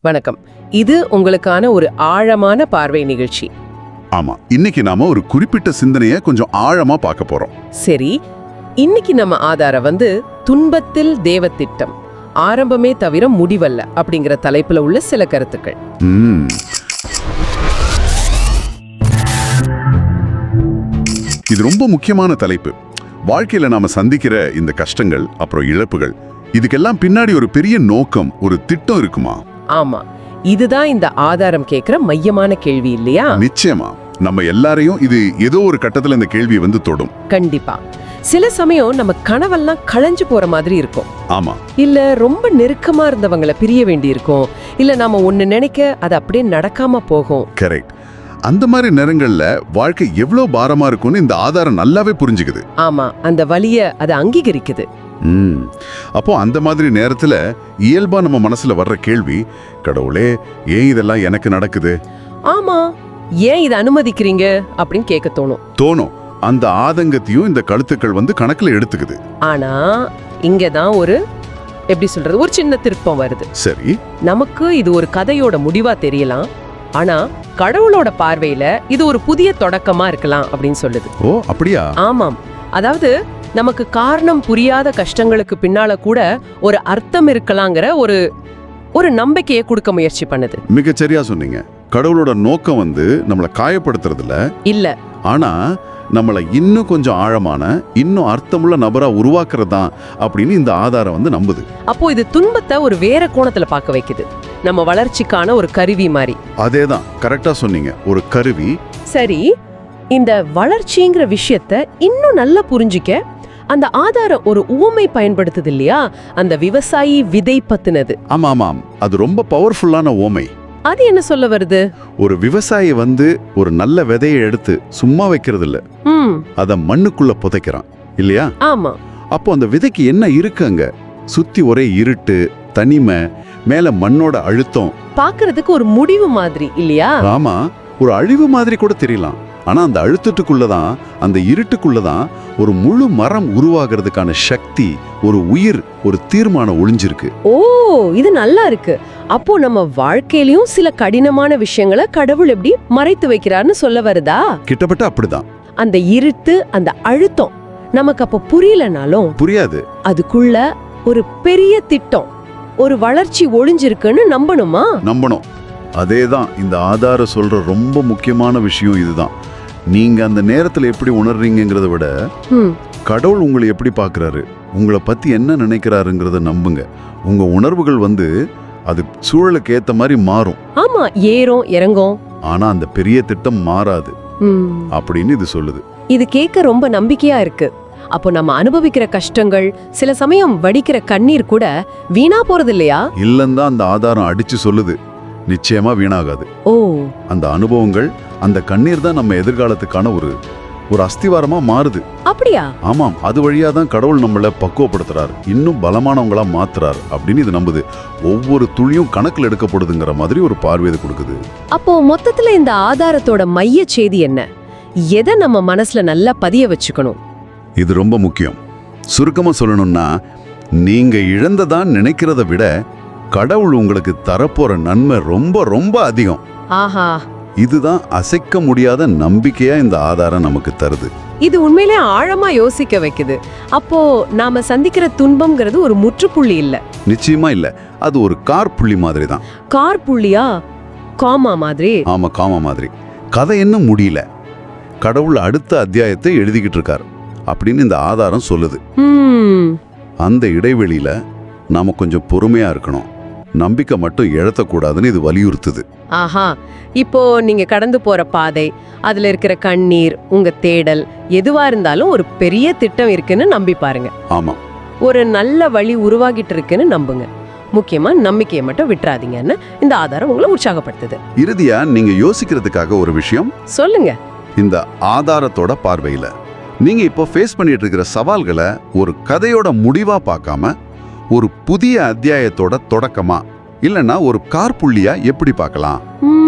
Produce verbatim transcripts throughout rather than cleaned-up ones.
வணக்கம். இது உங்களுக்கான ஒரு ஆழமான பார்வை நிகழ்ச்சி. ஆமா, இன்னைக்கு நாம ஒரு குறிப்பிட்ட சிந்தனையை கொஞ்சம் ஆழமா பார்க்க போறோம். சரி, இன்னைக்கு நம்ம ஆதாரம் வந்து துன்பத்தில் தேவத்திட்டம், ஆரம்பமே தவிர முடிவல்ல அப்படிங்கிற தலைப்புல உள்ள சில கருத்துக்கள். ம். இது ரொம்ப முக்கியமான தலைப்பு. வாழ்க்கையில நாம சந்திக்கிற இந்த கஷ்டங்கள் அப்புறம் இழப்புகள், இதுக்கெல்லாம் பின்னாடி ஒரு பெரிய நோக்கம், ஒரு திட்டம் இருக்குமா? ஆமா, இதுதான் இந்த ஆதாரம் கேட்கிற மையமான கேள்வி இல்லையா? நிச்சயமா. நம்ம எல்லாரையும் இது ஏதோ ஒரு கட்டத்துல இந்த கேள்வி வந்து தொடும். கண்டிப்பா. சில சமயம் நம்ம கனவெல்லாம் களைஞ்சு போற மாதிரி இருக்கும். ஆமா. இல்ல ரொம்ப நெருக்கமா இருந்தவங்களை பிரிய வேண்டி இருக்கும். இல்ல நாம ஒண்ணு நினைக்க அது அப்படியே நடக்காம போகும். கரெக்ட். அந்த மாதிரி நேரங்கள்ல வாழ்க்கை எவ்வளவு பாரமா இருக்கும்னு இந்த ஆதாரம் நல்லாவே புரிஞ்சுக்குது. ஆமா, அந்த வலிய அது அங்கீகரிக்குது. ம். அப்போ அந்த மாதிரி நேரத்துல இயல்பா நம்ம மனசுல வர்ற கேள்வி, கடவுளே ஏன் இதெல்லாம் எனக்கு நடக்குது? ஆமா, ஏன் இதை அனுமதிக்கிறீங்க அப்படின்னு கேட்க தோணும். தோணும். அந்த ஆதங்கத்தையும் இந்த கழுத்துக்கள் வந்து கணக்குல எடுத்துக்குது. ஆனா இங்கதான் ஒரு எப்படி சொல்றது ஒரு சின்ன திருப்பம் வருது. சரி. நமக்கு இது ஒரு கதையோட முடிவா தெரியலாம், ஆனா கடவுளோட பார்வையில இது ஒரு புதிய தொடக்கமா இருக்கலாம் அப்படின்னு சொல்லுது. ஓ, அப்படியா? ஆமாம். அதாவது நமக்கு காரணம் புரியாத கஷ்டங்களுக்கு பின்னால கூட ஒரு அர்த்தம் இருக்கலாங்கிற ஒரு ஒரு நம்பிக்கையை கொடுக்க முயற்சி பண்ணுது. மிகச்சரியா சொன்னீங்க. கடவுளோட நோக்கம் வந்து நம்மளை காயப்படுத்துறதுல இல்ல, ஆனா நம்மளை இன்னும் கொஞ்சம் ஆழமான, இன்னும் அர்த்தமுள்ள நபரா உருவாக்குறது தான் அப்படின்னு இந்த ஆதாரம் வந்து நம்புது. அப்போ இது துன்பத்தை ஒரு வேற கோணத்துல பார்க்க வைக்குது. நம்ம வளர்ச்சிக்கான ஒரு கருவி மாதிரி. அதேதான், கரெக்டா சொன்னீங்க. ஒரு கருவி. சரி, இந்த வளர்ச்சிங்கிற விஷயத்த இன்னும் நல்லா புரிஞ்சிக்க அந்த ஆதாரம் ஒரு உவமை பயன்படுத்துது இல்லையா? அந்த விவசாயி விதை பத்தினது. ஆமா ஆமாம், அது ரொம்ப பவர்ஃபுல்லான உவமை. அது என்ன சொல்ல வருது? ஒரு விவசாயி வந்து ஒரு நல்ல விதையை எடுத்து சும்மா வைக்கிறது இல்ல, ம், அத மண்ணுக்குள்ள புதைக்கிறான் இல்லையா? ஆமா. அப்போ அந்த விதைக்கு என்ன இருக்கு அங்க? சுத்தி ஒரே இருட்டு, தனிமை, மேல மண்ணோட அழுத்தம். பாக்குறதுக்கு ஒரு முடிவு மாதிரி இல்லையா? ஆமா, ஒரு அழிவு மாதிரி கூட தெரியலாம். ஆனா அந்த அழுத்தத்துக்குள்ளதான், அந்த இருட்டுக்குள்ளதான் ஒரு முழு மரம் உருவாகிறதுக்கான சக்தி, ஒரு உயிர், ஒரு தீர்மானம் ஒளிஞ்சிருக்கு. ஓ, இது நல்லா இருக்கு. அப்போ நம்ம வாழ்க்கையிலயும் சில கடினமான விஷயங்களை கடவுள் எப்படி மறைத்து வைக்கிறார்னு சொல்ல வருதா? கிட்டத்தட்ட அப்படிதான். அந்த இருட்டு, அந்த அழுத்தம் நமக்கு அப்ப புரியலனாலும் புரியாது. அதுக்குள்ள ஒரு பெரிய திட்டம், ஒரு வளர்ச்சி ஒளிஞ்சிருக்குன்னு நம்பணுமா? நம்பணும். அதேதான் இந்த ஆதாரம் சொல்ற ரொம்ப முக்கியமான விஷயம். இதுதான், நீங்க அந்த நேரத்துல எப்படி உணர்றீங்கிறத விட கடவுள் உங்களை எப்படி பார்க்கறாரு, உங்களை பத்தி என்ன நினைக்கிறாருங்கிறத நம்புங்க. உங்க உணர்வுகள் வந்து அது சூழலுக்கு ஏத்த மாதிரி மாறும். ஆமா, ஏறும் இறங்கும். ஆனா அந்த பெரிய திட்டம் மாறாது அப்படின்னு இது சொல்லுது. இது கேட்க ரொம்ப நம்பிக்கையா இருக்கு. அப்போ நம்ம அனுபவிக்கிற கஷ்டங்கள், சில சமயம் வடிக்கிற கண்ணீர் கூட வீணா போறது இல்லையா? இல்லன்னு தான் அந்த ஆதாரம் அடிச்சு சொல்லுது. நிச்சயமா வீணாகாது. ஓ, அந்த அனுபவங்கள், அந்த கண்ணீர் தான் நம்ம எதிர்காலத்துக்கான ஒரு ஒரு அஸ்திவாரமா மாறுது. அப்படியா? ஆமாம், அது வழியா தான் கடவுள் நம்மளை பக்குவப்படுத்துறாரு, இன்னும் பலமானவங்களா மாத்துறாரு அப்படின்னு இது நம்புது. ஒவ்வொரு துளியும் கணக்கில் எடுக்கப்படுதுங்கிற மாதிரி ஒரு பார்வையை கொடுக்குது. அப்போ மொத்தத்துல இந்த ஆதாரத்தோட மைய செய்தி என்ன? எதை நம்ம மனசுல நல்லா பதிய வச்சுக்கணும்? இது ரொம்ப முக்கியம். சுருக்கமா சொல்லணும்னா, நீங்க இழந்ததான் நினைக்கிறத விட கடவுள் உங்களுக்கு தரப்போற நன்மை ரொம்ப ரொம்ப அதிகம். ஆஹா, இதுதான் அசைக்க முடியாத நம்பிக்கையா இந்த ஆதாரம் நமக்கு தருது. இது உண்மையிலே ஆழமா யோசிக்க வைக்குது. அப்போ நாம சந்திக்கிற துன்பம்ங்கிறது ஒரு முற்றுப்புள்ளி இல்ல. நிச்சயமா இல்ல, அது ஒரு கார் புள்ளி மாதிரி தான். கார் புள்ளியா? காமா மாதிரி? ஆமா, காமா மாதிரி. கதை என்ன முடியல, கடவுள் அடுத்த அத்தியாயத்தை எழுதிக்கிட்டு இருக்காரு அப்படின்னு இந்த ஆதாரம் சொல்லுது. அந்த இடைவெளியில நாம கொஞ்சம் பொறுமையா இருக்கணும், நம்பிக்கை மட்டும் இழத்தக்கூடாதுன்னு இது வலியுறுத்துது. ஆஹா, இப்போ நீங்க கடந்து போற பாதை, அதுல இருக்கிற கண்ணீர், உங்க தேடல், எதுவா இருந்தாலும் ஒரு பெரிய திட்டம் இருக்குன்னு நம்பி பாருங்க. ஆமா, ஒரு நல்ல வழி உருவாகிட்டு இருக்குன்னு நம்புங்க. முக்கியமா நம்பிக்கையை மட்டும் விட்டுறாதீங்கன்னு இந்த ஆதாரம் உங்களை உற்சாகப்படுத்துது. இறுதியா நீங்க யோசிக்கிறதுக்காக ஒரு விஷயம் சொல்லுங்க. இந்த ஆதாரத்தோட பார்வையில நீங்க இப்போ ஃபேஸ் பண்ணிட்டு இருக்கிற சவால்களை ஒரு கதையோட முடிவா பார்க்காம ஒரு புதிய அத்தியாயத்தோட தொடக்கமா, இல்லனா ஒரு கார்புள்ளியா எப்படி பார்க்கலாம்?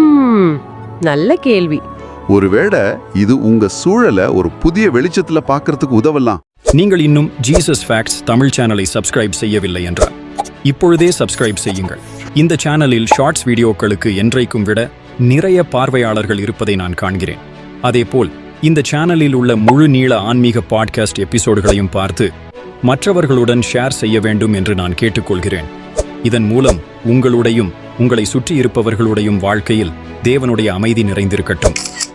நல்ல கேள்வி. ஒருவேளை இது உங்க சூழலை ஒரு புதிய வெளிச்சத்துல பார்க்கறதுக்கு உதவலாம். நீங்கள் இன்னும் ஜீசஸ் ஃபேக்ட்ஸ் தமிழ் சேனலை சப்ஸ்கிரைப் செய்யவில்லை என்றால் இப்பொழுதே சப்ஸ்கிரைப் செய்யுங்கள். இந்த சேனலில் ஷார்ட்ஸ் வீடியோக்களுக்கு என்றைக்கும் விட நிறைய பார்வையாளர்கள் இருப்பதை நான் காண்கிறேன். அதேபோல் இந்த சேனலில் உள்ள முழு நீள ஆன்மீக பாட்காஸ்ட் எபிசோடுகளையும் பார்த்து மற்றவர்களுடன் ஷேர் செய்ய வேண்டும் என்று நான் கேட்டுக்கொள்கிறேன். இதன் மூலம் உங்களுடையும் உங்களை சுற்றி இருப்பவர்களுடையும் வாழ்க்கையில் தேவனுடைய அமைதி நிறைந்திருக்கட்டும்.